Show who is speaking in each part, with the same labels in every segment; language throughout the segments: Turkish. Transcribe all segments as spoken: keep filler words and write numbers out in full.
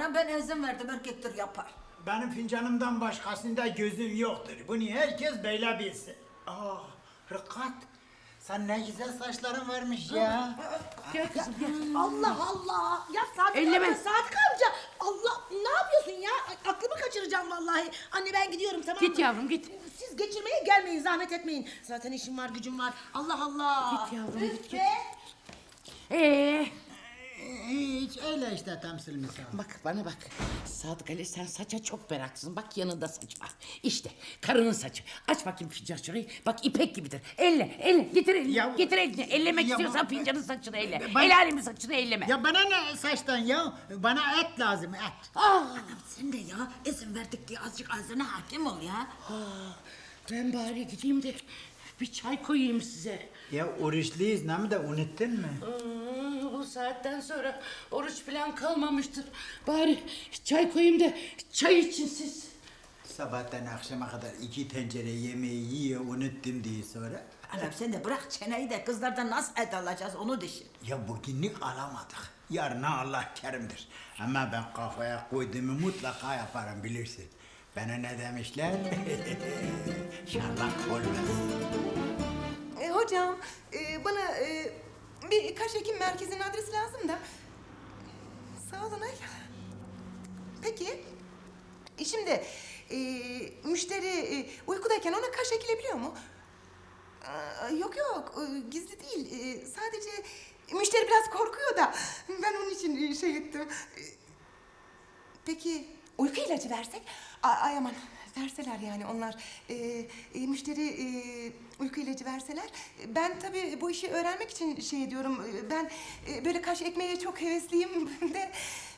Speaker 1: Ha, ben izin verdim, erkektir yapar.
Speaker 2: Benim fincanımdan başkasında gözüm yoktur. Bunu herkes böyle bilsin. Ah, Rıkat. Sen ne güzel saçların varmış ya.
Speaker 3: Gel kızım gel.
Speaker 4: Allah Allah. Ya Sadık
Speaker 3: Elleme.
Speaker 4: amca, Sadık amca. Allah, ne yapıyorsun ya? A- Aklımı kaçıracağım vallahi. Anne ben gidiyorum, tamam mı?
Speaker 3: Git yavrum, git.
Speaker 4: Siz geçirmeye gelmeyin, zahmet etmeyin. Zaten işim var, gücüm var. Allah Allah.
Speaker 3: Git yavrum,
Speaker 4: Üf
Speaker 3: git,
Speaker 4: be.
Speaker 3: git. Ee,
Speaker 2: Hiç öyle işte temsil misal.
Speaker 3: bak bana bak. Sadık Ali, sen saça çok meraklısın. Bak yanında saç var. İşte karının saçı. Aç bakayım fincan şurayı. Bak ipek gibidir. Elle, elle. Getir elini.
Speaker 2: Ya-
Speaker 3: Getir elini. Ellemek
Speaker 2: Ya-
Speaker 3: istiyorsan fincanın saçını elle.
Speaker 2: Ben-
Speaker 3: El alemin saçını elleme.
Speaker 2: Ya bana ne saçtan ya? Bana et lazım, et.
Speaker 3: Ah,
Speaker 1: Sen de ya izin verdik diye azıcık ağzına hakim ol ya.
Speaker 3: ben bari gideyim de bir çay koyayım size.
Speaker 2: Ya oruçluyuz, ne mi de unuttun mu?
Speaker 3: Hmm, bu saatten sonra oruç falan kalmamıştır. Bari çay koyayım da çay için siz.
Speaker 2: Sabahtan akşama kadar iki tencere yemeği yiyor, unuttum diye sonra.
Speaker 1: Anam sen de bırak çeneyi de kızlardan nasıl et alacağız onu düşün.
Speaker 2: Ya bugünlük alamadık. Yarına Allah kerimdir. Ama ben kafaya koyduğumu mutlaka yaparım, bilirsin. Bana ne demişler? Şarlak olmaz.
Speaker 5: E, hocam, e, bana e, bir kaş ekim merkezinin adresi lazım da. Sağ olun ay. Peki, e, şimdi e, müşteri e, uykudayken ona kaş ekilebiliyor mu? Aa, yok yok, e, gizli değil. E, sadece müşteri biraz korkuyor da ben onun için e, şey ettim. E, peki uyku ilacı versek? A- ay aman. Verseler yani onlar, e, e, müşteri e, uyku ilacı verseler. Ben tabii bu işi öğrenmek için şey ediyorum. e, Ben e, böyle kaş ekmeğe çok hevesliyim de.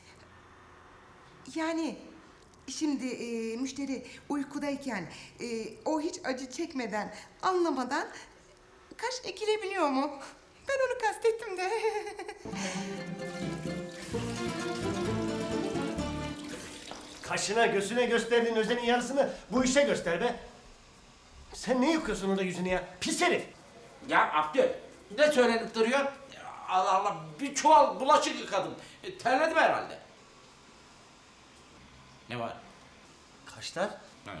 Speaker 5: Yani şimdi e, müşteri uykudayken e, o hiç acı çekmeden, anlamadan kaş ekilebiliyor mu? Ben onu kastettim de.
Speaker 6: Kaşına gözüne gösterdiğin özenin yarısını bu işe göster be. Sen ne yıkıyorsun orada yüzünü ya? Pis herif.
Speaker 7: Ya Abdül, ne söylenip duruyor? Allah Allah, bir çuval bulaşık yıkadım. E, terledim herhalde. Ne var?
Speaker 6: Kaşlar?
Speaker 7: Hı.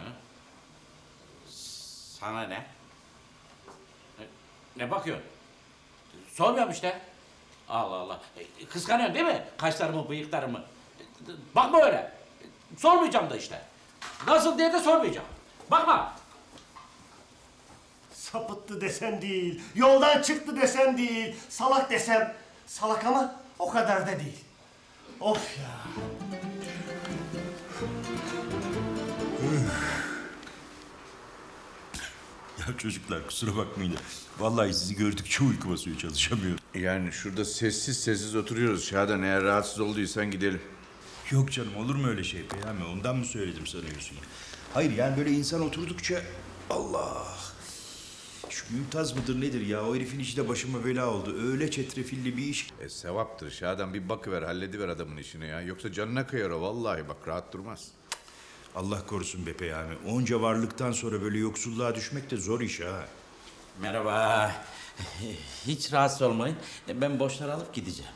Speaker 7: Sana ne? Ne, ne bakıyorsun? Sormuyorum işte. Allah Allah. E, kıskanıyorsun değil mi? Kaşlarımı, bıyıklarımı. E, bakma öyle. E, sormayacağım da işte. Nasıl diye de sormayacağım. Bakma.
Speaker 6: Sapıttı desen değil, yoldan çıktı desen değil, salak desem salak ama o kadar da değil. Of ya.
Speaker 8: Ya çocuklar kusura bakmayın. Vallahi sizi gördükçe uyku basıyor, çalışamıyorum.
Speaker 9: Yani şurada sessiz sessiz oturuyoruz Şadan. Eğer rahatsız olduysan gidelim.
Speaker 8: Yok canım, olur mu öyle şey Peyami? Ondan mı söyledim sanıyorsun? Hayır yani böyle insan oturdukça Allah. Şu Mümtaz mıdır nedir ya? O herifin işi de başıma bela oldu. Öyle çetrefilli bir iş.
Speaker 9: E sevaptır Şadan, bir bakıver, hallediver adamın işini ya. Yoksa canına kıyar o vallahi, bak rahat durmaz.
Speaker 8: Allah korusun be Peyami. Onca varlıktan sonra böyle yoksulluğa düşmek de zor iş ha.
Speaker 7: Merhaba. Hiç rahatsız olmayın. Ben boşları alıp gideceğim.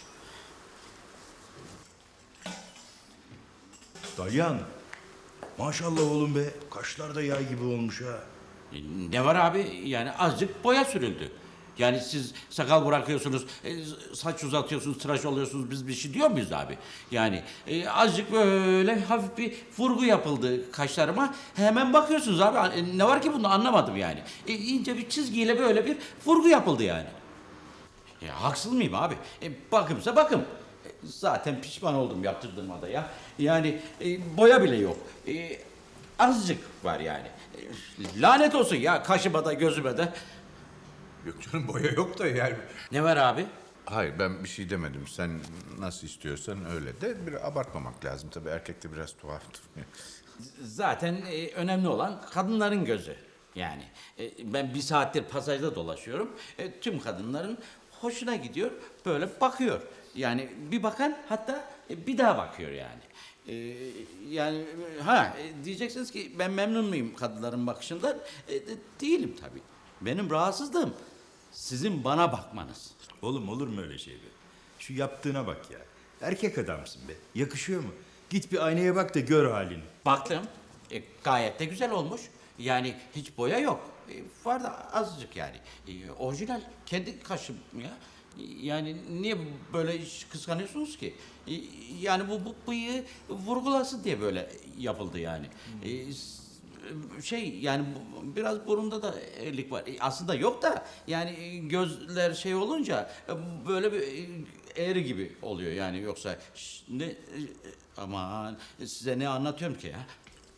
Speaker 8: Dalyan. Maşallah oğlum be. Kaşlar da yay gibi olmuş ha.
Speaker 7: Ne var abi? Yani azıcık boya sürüldü. Yani siz sakal bırakıyorsunuz, e, saç uzatıyorsunuz, tıraş oluyorsunuz. Biz bir şey diyor muyuz abi? Yani e, azıcık böyle hafif bir vurgu yapıldı kaşlarıma. Hemen bakıyorsunuz abi. E, ne var ki bunda, anlamadım yani. E, ince bir çizgiyle böyle bir vurgu yapıldı yani. Ya haksız mıyım abi? E, bakımsa bakım. E, zaten pişman oldum yaptırdığıma da ya. Yani e, boya bile yok. E, azıcık var yani. E, lanet olsun ya kaşıma da gözüme de.
Speaker 9: Yok canım, boya yok da yani.
Speaker 7: Ne var abi?
Speaker 9: Hayır, ben bir şey demedim. Sen nasıl istiyorsan öyle de. Bir abartmamak lazım tabii, erkekte biraz tuhaftır.
Speaker 7: Zaten e, önemli olan kadınların gözü. Yani e, ben bir saattir pasajda dolaşıyorum. E, tüm kadınların hoşuna gidiyor, böyle bakıyor. Yani bir bakan hatta e, bir daha bakıyor yani. E, yani ha e, diyeceksiniz ki ben memnun muyum kadınların bakışından? E, de, değilim tabii. Benim rahatsızlığım sizin bana bakmanız.
Speaker 8: Oğlum olur mu öyle şey be? Şu yaptığına bak ya. Erkek adamsın be. Yakışıyor mu? Git bir aynaya bak da gör halini.
Speaker 7: Baktım. E, gayet de güzel olmuş. Yani hiç boya yok. E, var da azıcık yani. E, orijinal kendi kaşım ya. E, Yani niye böyle kıskanıyorsunuz ki? E, yani bu, bu bıyığı vurgulasın diye böyle yapıldı yani. E, s- şey yani bu- biraz burunda da eğrilik var. E, aslında yok da yani e, gözler şey olunca e, böyle bir e, eğri gibi oluyor yani yoksa ş- ne e, aman size ne anlatıyorum ki ya?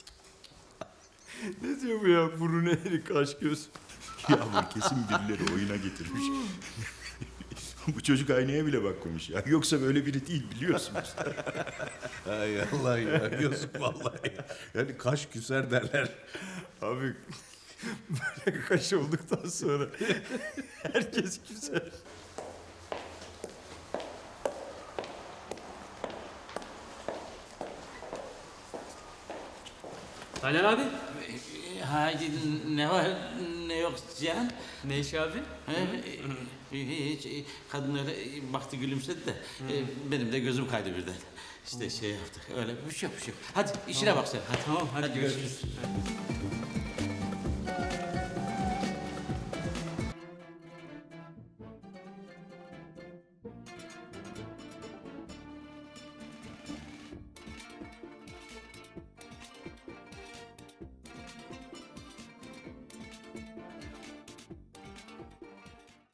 Speaker 8: Ne diyor bu ya? Burun eğri, kaş göz. Ya bu kesin birileri oyuna getirmiş. Bu çocuk aynaya bile bakmamış ya. Yoksa böyle biri değil biliyorsunuz.
Speaker 9: Ay Allah ya yazık vallahi. Yani kaş küser derler.
Speaker 8: Abi böyle kaş olduktan sonra herkes güzel.
Speaker 10: Taylan abi.
Speaker 7: E, Haydi ne var ne yok Cihan?
Speaker 10: Ne iş abi?
Speaker 7: He, e, hiç e, kadınlara e, baktı gülümsedi de e, benim de gözüm kaydı birden. İşte şey yaptık öyle bir şey yok bir şey yok. Hadi işine bak sen hadi.
Speaker 10: Tamam hadi, görüşürüz.